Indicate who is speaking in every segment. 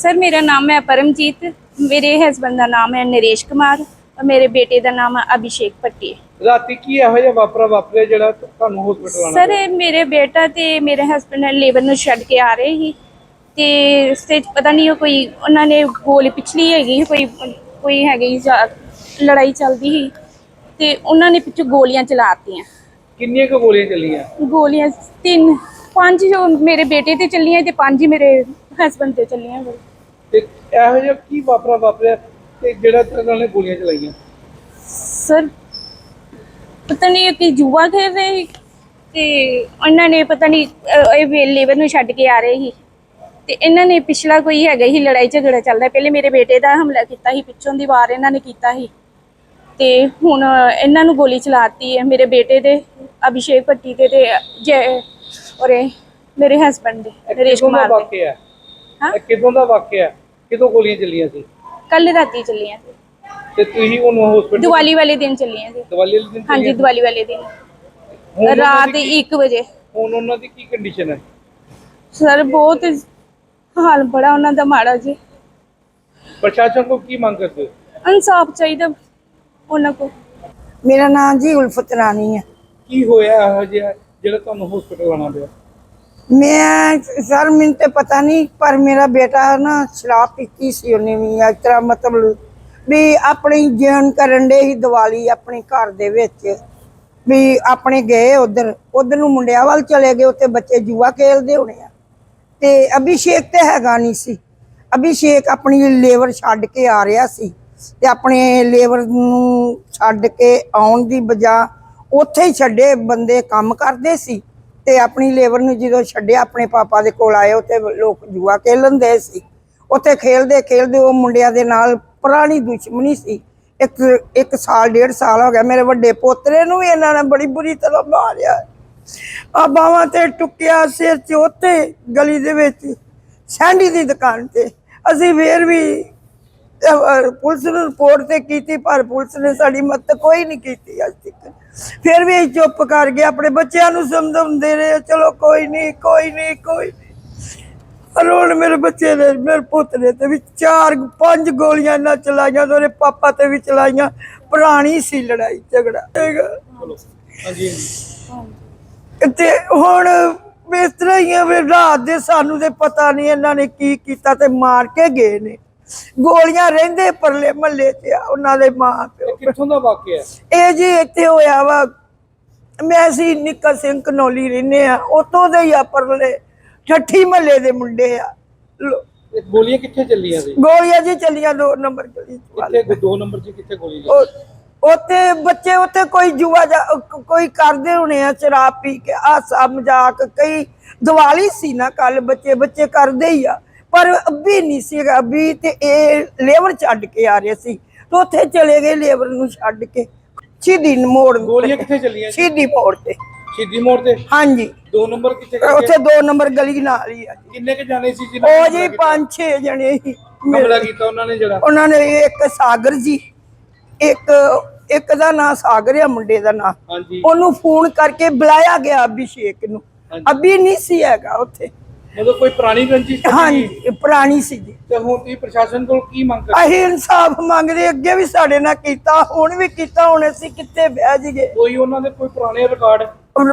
Speaker 1: Sir मेरा नाम है परमजीत, मेरे हस्बैंड का नाम है नरेश कुमार और मेरे बेटे का नाम है अभिषेक भट्टी।
Speaker 2: राती की ਇਹੋ ਜਿਹਾ ਵਾਪਰਿਆ ਜਿਹੜਾ ਤੁਹਾਨੂੰ ਹਸਪੀਟਲ ਆਣਾ
Speaker 1: सर मेरे बेटा ते मेरे हस्बैंड लेबर ਨੂੰ ਛੱਡ ਕੇ ਆ ਰਹੇ ਸੀ ਤੇ ਰਸਤੇ 'ਚ ਪਤਾ ਨਹੀਂ ਉਹ ਕੋਈ ਉਹਨਾਂ ਨੇ ਗੋਲੀ ਪਿਛਲੀ ਹੈਗੀ ਕੋਈ ਹੈਗੀ ਲੜਾਈ ਚੱਲਦੀ ਸੀ ਤੇ ਉਹਨਾਂ ਨੇ ਪਿੱਛੋਂ ਗੋਲੀਆਂ ਚਲਾਤੀਆਂ।
Speaker 2: ਕਿੰਨੀਆਂ ਕੁ ਗੋਲੀਆਂ ਚੱਲੀਆਂ?
Speaker 1: ਗੋਲੀਆਂ 5 ਜੋ ਮੇਰੇ ਬੇਟੇ ਤੇ ਚੱਲੀਆਂ ਤੇ 5 ਹੀ ਮੇਰੇ ਹਸਬੈਂਡ ਤੇ ਚੱਲੀਆਂ।
Speaker 2: ਤੇ ਇਹੋ ਜਿਹਾ ਕੀ ਵਾਪਰਿਆ ਤੇ ਜਿਹੜਾ ਉਹਨਾਂ ਨੇ ਗੋਲੀਆਂ ਚਲਾਈਆਂ?
Speaker 1: ਸਰ ਪਤਾ ਨਹੀਂ ਕਿ ਜੂਆ ਖੇਡ ਰਹੇ ਸੀ ਤੇ ਉਹਨਾਂ ਨੇ ਪਤਾ ਨਹੀਂ ਇਹ ਲੇਬਰ ਨੂੰ ਛੱਡ ਕੇ ਆ ਰਹੇ ਸੀ ਤੇ ਇਹਨਾਂ ਨੇ ਪਿਛਲਾ ਕੋਈ ਹੈਗਾ ਹੀ ਲੜਾਈ ਝਗੜਾ ਚੱਲਦਾ। ਪਹਿਲੇ ਮੇਰੇ ਬੇਟੇ ਦਾ ਹਮਲਾ ਕੀਤਾ ਸੀ, ਪਿੱਛੋਂ ਦੀ ਵਾਰ ਇਹਨਾਂ ਨੇ ਕੀਤਾ ਸੀ ਤੇ ਹੁਣ ਇਹਨਾਂ ਨੂੰ ਗੋਲੀ ਚਲਾਤੀ ਹੈ ਮੇਰੇ ਬੇਟੇ ਦੇ ਅਭਿਸ਼ੇਕ ਭੱਟੀ ਤੇ ਔਰ ਮੇਰੇ ਹਸਬੈਂਡ ਦੇ ਨਰੇਸ਼ ਕੁਮਾਰ ਦੇ।
Speaker 2: ਹਾਂ ਕਿਦੋਂ ਦਾ ਵਾਕਿਆ? ਕਿਦੋਂ ਗੋਲੀਆਂ ਚੱਲੀਆਂ ਸੀ?
Speaker 1: ਕੱਲ ਰਾਤੀ ਚੱਲੀਆਂ ਸੀ
Speaker 2: ਤੇ ਤੁਸੀਂ ਉਹਨੂੰ ਹਸਪੀਟਲ
Speaker 1: ਦੀਵਾਲੀ ਵਾਲੇ ਦਿਨ ਚੱਲੀਆਂ ਸੀ।
Speaker 2: ਦੀਵਾਲੀ ਵਾਲੇ ਦਿਨ?
Speaker 1: ਹਾਂਜੀ ਦੀਵਾਲੀ ਵਾਲੇ ਦਿਨ ਰਾਤ 1 ਵਜੇ।
Speaker 2: ਹੁਣ ਉਹਨਾਂ ਦੀ ਕੀ ਕੰਡੀਸ਼ਨ ਹੈ?
Speaker 1: ਸਰ ਬਹੁਤ ਹਾਲ ਬੜਾ ਉਹਨਾਂ ਦਾ ਮਾੜਾ ਜੀ।
Speaker 2: ਪ੍ਰਸ਼ਾਸਨ ਕੋ ਕੀ ਮੰਗ ਕਰਦੇ ਹੋ?
Speaker 1: ਇਨਸਾਫ ਚਾਹੀਦਾ ਉਹਨਾਂ ਕੋ।
Speaker 3: मेरा नाम जी उल्फत रानी है।
Speaker 2: ਕੀ ਹੋਇਆ ਇਹੋ ਜਿਹਾ ਜਿਹੜਾ ਤੁਹਾਨੂੰ ਹਸਪੀਟਲ ਆਣਾ ਪਿਆ?
Speaker 3: मैं सर मैंने तो पता नहीं पर मेरा बेटा ना शराब पीती सी उन्हें भी इस तरह मतलब भी अपनी जन करन डे ही दिवाली अपने घर दे विच भी अपने गए उधर नूं मुंडिया वाल चले गए, उत्ते बच्चे जुआ खेलते होने आ ते अभिषेक ते हैगा नहीं सी। अभिषेक अपनी लेबर छड्ड के आ रहा सी ते अपने लेबर नूं छड्ड के आउण दी बजाय उत्थे ही छड्डे बंदे काम करदे सी ते अपनी लेबर नूं जदों छड्डिया अपने पापा दे कोल आए उत्थे लोग जुआ खेलन दे सी। उत्थे खेलदे खेलदे वो मुंडिया दे नाल पुरानी दुश्मनी सी। एक साल 1.5 साल हो गया मेरे वड्डे पोतरे नूं भी इन्हां ने बड़ी बुरी तरह मारिया आ बावां ते टुक्किया सिर च उत्थे गली दे विच सैंडी दी दुकान ते। असीं फिर भी पुलिस नूं रिपोर्ट ते कीती पर पुलिस ने साडी मदद कोई नहीं कीती अज तक। फिर भी चुप कर गए, अपने बच्चों नूं समझाउंदे रहे चलो कोई नहीं। पर हुण मेरे बच्चे ने मेरे पुत्तरे ते भी 4-5 गोलियां ना चलाइयां ते पापा ते भी चलाइयां। पुरानी सी लड़ाई झगड़ा ते हुण इस तरह ही है। रात दे सानू ते पता नहीं इन्हां ने की कीता ते मार के गए ने। गोलियां रहिंदे परले महल्ले च उन्हां दे मां प्यो।
Speaker 2: ਕਿੱਥੋਂ ਦਾ ਵਾਕਿਆ ਹੈ?
Speaker 3: ਇਹ ਜੀ ਇੱਥੇ ਹੋਇਆ ਵਾ, ਮੈਂ ਅਸੀਂ ਨਿੱਕਾ ਸਿੰਘ ਕਨੌਲੀ ਰਹਿੰਦੇ ਆ ਉਤੋਂ ਦੇ ਹੀ ਆ ਪਰਲੇ ਠੱਠੀ ਮਹੱਲੇ ਦੇ ਮੁੰਡੇ ਆ।
Speaker 2: ਇਹ ਗੋਲੀਆਂ ਕਿੱਥੇ ਚੱਲੀਆਂ ਸੀ?
Speaker 3: ਗੋਲੀਆਂ ਜੀ ਚੱਲੀਆਂ 2 ਨੰਬਰ ਗਲੀ
Speaker 2: ਕਿੱਥੇ 2 ਨੰਬਰ 'ਚ ਕਿੱਥੇ ਗੋਲੀ ਚੱਲੀ?
Speaker 3: ਉੱਥੇ ਬੱਚੇ ਉੱਥੇ ਕੋਈ ਜੂਆ ਕੋਈ ਕਰਦੇ ਹੋਣੇ ਆ ਸ਼ਰਾਬ ਪੀ ਕੇ ਹਾਸਾ ਮਜ਼ਾਕ। ਕਈ ਦੀਵਾਲੀ ਸੀ ਨਾ ਕੱਲ, ਬੱਚੇ ਕਰਦੇ ਹੀ ਆ ਪਰ ਅੱਬੀ ਨਹੀਂ ਸੀ। ਅੱਬੀ ਤੇ ਇਹ ਲੇਬਰ ਛੱਡ ਕੇ ਆ ਰਹੇ ਸੀ ਤੇ ਉੱਥੇ ਚਲੇ ਗਏ ਲੇਬਰ ਨੂੰ ਛੱਡ ਕੇ ਸ਼ਹੀਦੀ ਮੋੜ।
Speaker 2: ਗੋਲੀਆਂ ਕਿੱਥੇ ਚੱਲੀਆਂ?
Speaker 3: ਸ਼ਹੀਦੀ ਮੋੜ ਤੇ।
Speaker 2: ਸ਼ਹੀਦੀ ਮੋੜ ਤੇ?
Speaker 3: ਹਾਂਜੀ
Speaker 2: 2 ਨੰਬਰ ਕਿੱਥੇ?
Speaker 3: ਉੱਥੇ 2 ਨੰਬਰ ਗਲੀ ਨਾਲ ਹੀ ਆ।
Speaker 2: ਕਿੰਨੇ ਕੇ ਜਾਣੇ ਸੀ
Speaker 3: ਉਹ ਜੀ 5-6 ਜਣੇ ਸੀ।
Speaker 2: ਹਮਲਾ ਕੀਤਾ ਉਹਨਾਂ ਨੇ ਜਿਹੜਾ?
Speaker 3: ਉਹਨਾਂ ਨੇ ਇੱਕ ਸਾਗਰ ਜੀ, ਇੱਕ ਦਾ ਨਾਂ ਸਾਗਰ ਆ ਮੁੰਡੇ ਦਾ ਨਾਂ।
Speaker 2: ਹਾਂਜੀ।
Speaker 3: ਉਹਨੂੰ ਫੋਨ ਕਰਕੇ ਬੁਲਾਇਆ ਗਿਆ ਅਭਿਸ਼ੇਕ ਨੂੰ। ਅਭੀ ਨਹੀਂ ਸੀ ਹੈਗਾ ਉੱਥੇ।
Speaker 2: ਮਤਲਬ ਕੋਈ ਪੁਰਾਣੀ ਰੰਜਿਸ਼?
Speaker 3: ਹਾਂਜੀ ਪੁਰਾਣੀ ਸੀ ਜੀ।
Speaker 2: ਤੇ ਹੁਣ ਤੁਸੀਂ ਪ੍ਰਸ਼ਾਸਨ ਕੋਲ ਕੀ ਮੰਗ ਕਰਦੇ?
Speaker 3: ਅਸੀਂ ਇਨਸਾਫ ਮੰਗਦੇ, ਅੱਗੇ ਵੀ ਸਾਡੇ ਨਾਲ ਕੀਤਾ ਹੁਣ ਵੀ ਕੀਤਾ, ਹੁਣ ਅਸੀਂ ਕਿੱਥੇ ਬਹਿ ਜੀਏ।
Speaker 2: ਕੋਈ ਉਹਨਾਂ ਦੇ ਕੋਈ ਪੁਰਾਣੇ ਰਿਕਾਰਡ?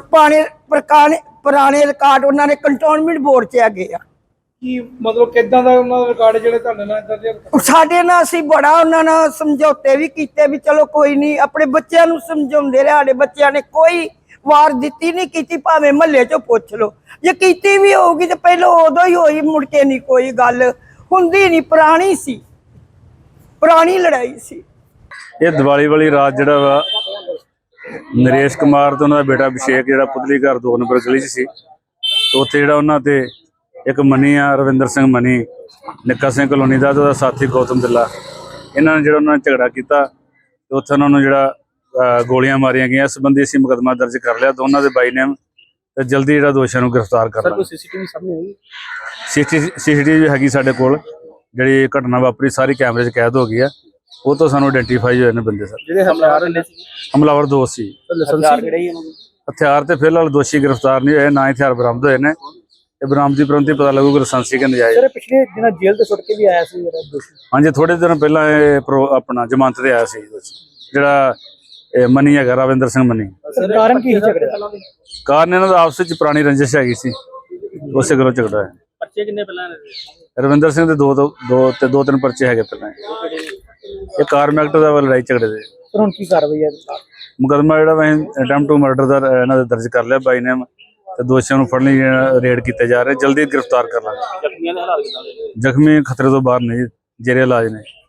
Speaker 3: ਪੁਰਾਣੇ ਰਿਕਾਰਡ ਉਹਨਾਂ ਨੇ ਕੰਟੋਨਮੈਂਟ ਬੋਰਡ 'ਚ ਹੈਗੇ ਆ।
Speaker 2: ਕੀ ਮਤਲਬ ਕਿੱਦਾਂ ਦਾ ਉਹਨਾਂ ਦਾ ਰਿਕਾਰਡ ਜਿਹੜੇ ਤੁਹਾਡੇ ਨਾਲ ਇਦਾਂ ਦੇ?
Speaker 3: ਸਾਡੇ ਨਾਲ ਅਸੀਂ ਬੜਾ ਉਹਨਾਂ ਨਾਲ ਸਮਝੌਤੇ ਵੀ ਕੀਤੇ ਵੀ ਚਲੋ ਕੋਈ ਨਹੀਂ। ਆਪਣੇ ਬੱਚਿਆਂ ਨੂੰ ਸਮਝਾਉਂਦੇ ਰਹੇ, ਸਾਡੇ ਬੱਚਿਆਂ ਨੇ ਕੋਈ ਵਾਰ ਦਿੱਤੀ ਨਹੀਂ ਕੀਤੀ, ਭਾਵੇਂ ਮਹੱਲੇ 'ਚੋਂ ਪੁੱਛ ਲਓ। ਜੇ ਕੀਤੀ ਵੀ ਹੋਊਗੀ ਤੇ ਪਹਿਲਾਂ ਉਦੋਂ ਹੀ ਹੋਈ, ਮੁੜ ਕੇ ਨਹੀਂ ਕੋਈ ਗੱਲ ਹੁੰਦੀ ਨਹੀਂ। ਪੁਰਾਣੀ ਸੀ, ਪੁਰਾਣੀ ਲੜਾਈ ਸੀ।
Speaker 4: ਇਹ ਦੀਵਾਲੀ ਵਾਲੀ ਰਾਤ ਜਿਹੜਾ ਵਾ ਨਰੇਸ਼ ਕੁਮਾਰ ਤੇ ਉਹਨਾਂ ਦਾ ਬੇਟਾ ਅਭਿਸ਼ੇਕ ਜਿਹੜਾ ਪੁਤਲੀ ਘਰ 2 ਨੰਬਰ ਗਲੀ 'ਚ ਸੀ ਤੇ ਉੱਥੇ ਜਿਹੜਾ ਉਹਨਾਂ ਤੇ ਇੱਕ ਮਨੀ ਆ ਰਵਿੰਦਰ ਸਿੰਘ ਮਨੀ, ਨਿੱਕਾ ਸਿੰਘ ਕਲੋਨੀ ਦਾ ਤੇ ਉਹਦਾ ਸਾਥੀ ਗੌਤਮ ਦਿੱਲਾ, ਇਹਨਾਂ ਨੇ ਜਿਹੜਾ ਉਹਨਾਂ ਨੇ ਝਗੜਾ ਕੀਤਾ ਤੇ ਉੱਥੇ ਉਹਨਾਂ ਨੂੰ ਜਿਹੜਾ ਗੋਲੀਆਂ ਮਾਰੀਆਂ ਗਈਆਂ। ਇਸ ਸੰਬੰਧੀ ਅਸੀਂ ਮੁਕੱਦਮਾ ਦਰਜ ਕਰ ਲਿਆ ਦੋਨਾਂ ਦੇ ਬਾਈ ਨੇਮ ਤੇ ਜਲਦੀ ਜਿਹੜਾ ਦੋਸ਼ੀਆਂ ਨੂੰ ਗ੍ਰਿਫਤਾਰ ਕਰ ਲਾਂਗੇ।
Speaker 2: ਸੀਸੀਟੀਵੀ ਸਾਹਮਣੇ ਆਈ?
Speaker 4: ਸੀਸੀਟੀਵੀ ਹੈਗੀ ਸਾਡੇ ਕੋਲ, ਜਿਹੜੀ ਘਟਨਾ ਵਾਪਰੀ ਸਾਰੀ ਕੈਮਰੇ 'ਚ ਕੈਦ ਹੋ ਗਈ ਆ। ਉਹ ਤੋਂ ਸਾਨੂੰ ਆਇਡੈਂਟੀਫਾਈ ਹੋਏ ਨੇ ਬੰਦੇ ਸਰ।
Speaker 2: ਜਿਹੜੇ
Speaker 4: ਹਮਲਾਵਰ 2 ਸੀ। ਹਥਿਆਰ ਤੇ ਫਿਲਹਾਲ ਦੋਸ਼ੀ ਗ੍ਰਿਫਤਾਰ ਨਹੀਂ ਹੋਏ, ਨਾ ਹਥਿਆਰ ਬਰਾਮਦ ਹੋਏ ਨੇ ਇਹ ਬਰਾਮਦੀ ਪ੍ਰੰਤੀ ਪਤਾ ਲੱਗੂਗਾ ਲਾਇਸੈਂਸੀ ਕਿ ਨਜਾਇਜ਼।
Speaker 2: ਸਰ ਪਿਛਲੇ ਦਿਨਾਂ ਜੇਲ੍ਹ ਤੋਂ ਛੁੱਟ ਕੇ ਵੀ ਆਇਆ ਸੀ ਜਿਹੜਾ ਦੋਸ਼ੀ।
Speaker 4: ਹਾਂਜੀ, ਥੋੜੇ ਦਿਨ ਪਹਿਲਾਂ ਇਹ ਆਪਣਾ ਜ਼ਮਾਨਤ ਤੇ ਆਇਆ ਸੀ ਜਿਹੜਾ ਇਹ ਮਨੀ ਹੈਗਾ, ਰਵਿੰਦਰ ਸਿੰਘ ਮਨੀ।
Speaker 2: ਸਰ ਕਾਰਨ ਕੀ ਝਗੜੇ ਦਾ?
Speaker 4: ਕਾਰਨ ਇਹਨਾਂ ਦਾ ਆਪਸ ਵਿੱਚ ਪੁਰਾਣੀ ਰੰਜਿਸ਼ ਹੈਗੀ ਸੀ, ਉਸੇ ਘਰੋਂ ਝਗੜਾ ਹੈ।
Speaker 2: ਬੱਚੇ ਕਿੰਨੇ ਪਹਿਲਾਂ?
Speaker 4: ਰਵਿੰਦਰ ਸਿੰਘ ਦੇ ਦੋ ਤਿੰਨ ਪਰਚੇ ਹੈਗੇ ਪਹਿਲਾਂ। ਇਹ ਕਾਰਮੈਕਟ ਦਾ ਲੜਾਈ ਝਗੜੇ ਦੇ।
Speaker 2: ਸਰ ਹੁਣ ਕੀ ਕਾਰਵਾਈ ਹੈ?
Speaker 4: ਮੁਕੱਦਮਾ ਜਿਹੜਾ ਅਸੀਂ ਅਟੈਂਪਟ ਟੂ ਮਰਡਰ ਦਾ ਇਹਨਾਂ ਦੇ ਦਰਜ ਕਰ ਲਿਆ ਬਾਈ ਨੇਮ, ਤੇ ਦੋਸ਼ੀਆਂ ਨੂੰ ਫੜਨ ਲਈ ਰੇਡ ਕੀਤੇ ਜਾ ਰਹੇ, ਜਲਦੀ ਗ੍ਰਿਫਤਾਰ ਕਰ ਲਾਂਗੇ। ਜ਼ਖਮੀ ਖਤਰੇ ਤੋਂ ਬਾਹਰ ਨਹੀਂ, ਜੇਰੇ ਇਲਾਜ ਨੇ।